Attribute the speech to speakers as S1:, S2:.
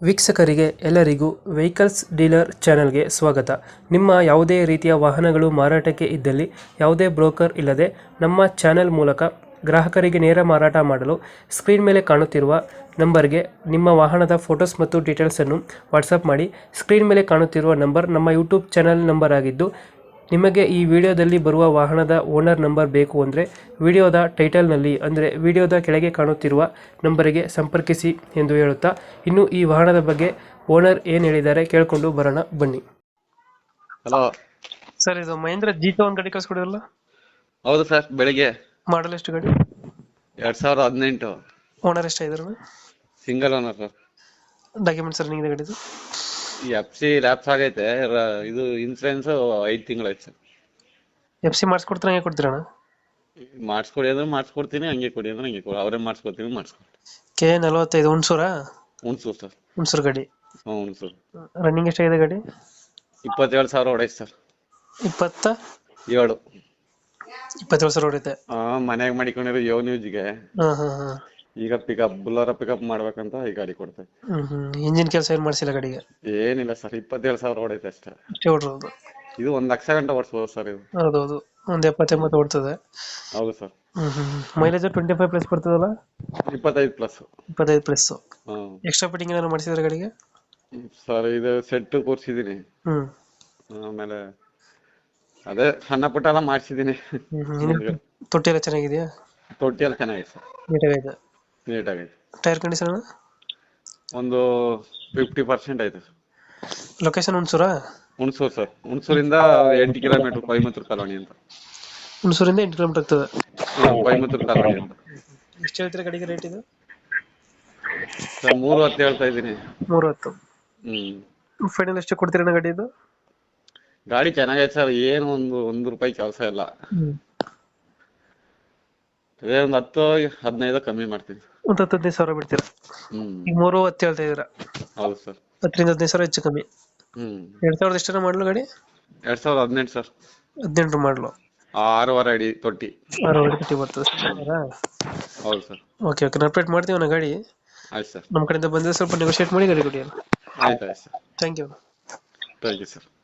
S1: ವೀಕ್ಷಕರಿಗೆ ಎಲ್ಲರಿಗೂ vehicles dealer ಚಾನೆಲ್ಗೆ ಸ್ವಾಗತ. ನಿಮ್ಮ ಯಾವುದೇ ರೀತಿಯ ವಾಹನಗಳು ಮಾರಾಟಕ್ಕೆ ಇದ್ದಲ್ಲಿ ಯಾವುದೇ ಬ್ರೋಕರ್ ಇಲ್ಲದೆ ನಮ್ಮ ಚಾನೆಲ್ ಮೂಲಕ ಗ್ರಾಹಕರಿಗೆ ನೇರ ಮಾರಾಟ ಮಾಡಲು ಸ್ಕ್ರೀನ್ ಮೇಲೆ ಕಾಣುತ್ತಿರುವ ನಂಬರ್ಗೆ ನಿಮ್ಮ ವಾಹನದ ಫೋಟೋಸ್ ಮತ್ತು ಡೀಟೇಲ್ಸನ್ನು ವಾಟ್ಸಪ್ ಮಾಡಿ. ಸ್ಕ್ರೀನ್ ಮೇಲೆ ಕಾಣುತ್ತಿರುವ ನಂಬರ್ ನಮ್ಮ ಯೂಟ್ಯೂಬ್ ಚಾನೆಲ್ ನಂಬರ್ ಆಗಿದ್ದು, ನಿಮಗೆ ಈ ವಿಡಿಯೋದಲ್ಲಿ ಬರುವ ವಾಹನದ ಓನರ್ ನಂಬರ್ ಬೇಕು ಅಂದರೆ ವಿಡಿಯೋದ ಟೈಟಲ್ನಲ್ಲಿ ಅಂದರೆ ವಿಡಿಯೋದ ಕೆಳಗೆ ಕಾಣುತ್ತಿರುವ ನಂಬರಿಗೆ ಸಂಪರ್ಕಿಸಿ ಎಂದು ಹೇಳುತ್ತಾ, ಇನ್ನು ಈ ವಾಹನದ ಬಗ್ಗೆ ಓನರ್ ಏನು ಹೇಳಿದ್ದಾರೆ ಕೇಳಿಕೊಂಡು ಬರೋಣ ಬನ್ನಿ.
S2: ಹಲೋ
S1: ಸರ್, ಇದು ಮಹೇಂದ್ರ ಜೀತ ಒಂದು ಗಾಡಿ ಕಳಿಸ್ಕೊಡಿರಲ್ಲ,
S2: ಹೌದು ಸರ್. ಬೆಳಿಗ್ಗೆ
S1: ಮಾಡಲ್ ಎಷ್ಟು ಗಾಡಿ?
S2: 2018
S1: ಓನರ್ ಎಷ್ಟಾಗಿದ್ರು?
S2: Single owner sir.
S1: Documents running ಗಾಡಿದು?
S2: ಈ FC ಲ್ಯಾಪ್ಸ್ ಆಗೈತೆ. ಇದು ಇನ್ಸೂರೆನ್ಸ್ 5 ತಿಂಗಳಾಯ್ತು ಸರ್.
S1: FC ಮಾಡಿಸ್ಕೊಡ್ತೀರ, ಹಂಗೆ ಕೊಡ್ತೀರಣ್ಣ?
S2: ಮಾಡಿಸ್ಕೊಡಿ ಅಂದ್ರೆ ಮಾಡಿಸ್ಕೊಡ್ತೀನಿ, ಹಂಗೆ ಕೊಡಿ ಅಂದ್ರೆ ಹಂಗೆ ಕೊಡಿ. ಅವರೇ ಮಾಡಿಸ್ಕೊಡ್ತೀನಿ, ಮಾಡಿಸ್ಕೊಡ್ತೀನಿ.
S1: K45 ಹುಣಸೂರಾ?
S2: ಹುಣಸೂರು ಸರ್.
S1: ಹುಣಸೂರು ಗಾಡಿ.
S2: ಹ್ಞೂ ಹುಣಸೂರು.
S1: ರನ್ನಿಂಗ್ ಎಷ್ಟಾಗಿದೆ ಗಾಡಿ?
S2: 27,000 ಹೊಡೈತೆ ಸರ್.
S1: 27,000 ಹೊಡೆಯುತ್ತೆ.
S2: ಮನೆಯಾಗ ಮಾಡಿಕೊಂಡಿರೋ ಯೋ ನ್ಯೂಸ್ಗೆ ಈಗ ಬುಲ್ಲರ ಪಿಕಪ್ ಮಾಡ್ಬೇಕಂತ ಈ ಗಾಡಿ ಕೊಡ್ತೇವೆ.
S1: ಇಂಜಿನ್ ಕೆಲಸ ಏನು ಮಾಡಿಸಿಲ್ಲ ಗಾಡಿಗೆ?
S2: ಏನಿಲ್ಲ ಸರ್, 27,000 ಹೊಡೈತೆ ಅಷ್ಟೇ.
S1: ಅಷ್ಟೇ ಹೊಡ್ರೋದು?
S2: ಇದು 1 ಲಕ್ಷ ಗಂಟೆ ಓಡಿಸ್ಬೋದು ಸರ್ ಇದು.
S1: ಹೌದೌದು, ಒಂದು 70-80 ಓಡ್ತದೆ.
S2: ಹೌದು ಸರ್.
S1: ಮೈಲೇಜ್ 25+ ಬರ್ತದಲ್ಲ?
S2: 25+.
S1: 25+.
S2: ಹ್ಮ್.
S1: ಎಕ್ಸ್ಟ್ರಾ ಫಿಟ್ಟಿಂಗ್ ಏನಾದ್ರು ಮಾಡಿಸಿದ್ರೆ ಗಾಡಿಗೆ?
S2: ಸರ್ ಇದು ಸೆಟ್ ಕೂರ್ಸಿದೀನಿ. ಆಮೇಲೆ ಅದೇ ಸಣ್ಣ ಪುಟ್ಟ ಎಲ್ಲ ಮಾಡ್ಸಿದೀನಿ.
S1: ತೊಟ್ಟಿ ಎಲ್ಲ ಚೆನ್ನಾಗಿದೆಯಾ?
S2: ತೊಟ್ಟಿ ಎಲ್ಲ ಚೆನ್ನಾಗಿದೆ ಸರ್.
S1: ನೀಟಾಗೈತೆ?
S2: ನೀಟಾಗೈತೆ.
S1: ಟೈರ್ ಕಂಡೀಷನ್
S2: ಒಂದು 50% ಐತೆ ಸರ್.
S1: ಲೊಕೇಶನ್ ಹುಣಸೂರಾ?
S2: ಹುಣಸೂರು ಸರ್. ಹುಣಸೂರಿಂದ 8 ಕಿಲೋಮೀಟರ್ ಕೊಯಮತ್ತೂರು ಕಾಲೋನಿ ಅಂತ.
S1: ಹುಣಸೂರಿಂದ 8 ಕಿಲೋಮೀಟರ್ ಆಗ್ತದೆ.
S2: ಕೊಯಮತ್ತೂರು ಕಾಲೋನಿ ಅಂತ.
S1: ಎಷ್ಟು ಹೇಳ್ತೀರಾ ಗಾಡಿಗೆ ರೇಟ್ ಇದು?
S2: ಸರ್ 310 ಹೇಳ್ತಾ ಇದ್ದೀನಿ.
S1: 310. ಫೈನಲ್ ಎಷ್ಟು ಕೊಡ್ತೀರಣ್ಣ ಗಾಡಿ ಇದು?
S2: ಗಾಡಿ ಚೆನ್ನಾಗೈತೆ ಸರ್, ಏನು ಒಂದು ರೂಪಾಯಿ ಕೆಲಸ ಇಲ್ಲ. ಅದೇ ಒಂದು 10-15 ಕಮ್ಮಿ ಮಾಡ್ತೀನಿ.
S1: ಒಂದು 10-15 ಬಿಡ್ತೀರಾ? ಈಗ 310 ಹೇಳ್ತಾ ಇದೀರಾ?
S2: ಹೌದು ಸರ್.
S1: 10-15 ಹೆಚ್ಚು ಕಮ್ಮಿ. 2000 ಎಷ್ಟರ ಮಾಡಲು ಗಾಡಿ?
S2: 2018 ಸರ್.
S1: 18 ಮಾಡಲು.
S2: 6.5 ಅಡಿ ತೊಟ್ಟಿ.
S1: 6.5 ಅಡಿ ತೊಟ್ಟಿ ಬರ್ತದೆ.
S2: ಹೌದು ಸರ್.
S1: ಓಕೆ ಓಕೆ, ಅಪ್ಡೇಟ್ ಮಾಡ್ತೀವಿ ನಾ ಗಾಡಿ.
S2: ಆಯ್ತು ಸರ್.
S1: ನಮ್ಮ ಕಡೆಯಿಂದ ಬಂದರೆ ಸ್ವಲ್ಪ ನೆಗೋಷಿಯೇಟ್ ಮಾಡಿ ಗಾಡಿ ಕೊಡಿ.
S2: ಆಯ್ತು sir.
S1: Thank you.
S2: Thank you sir.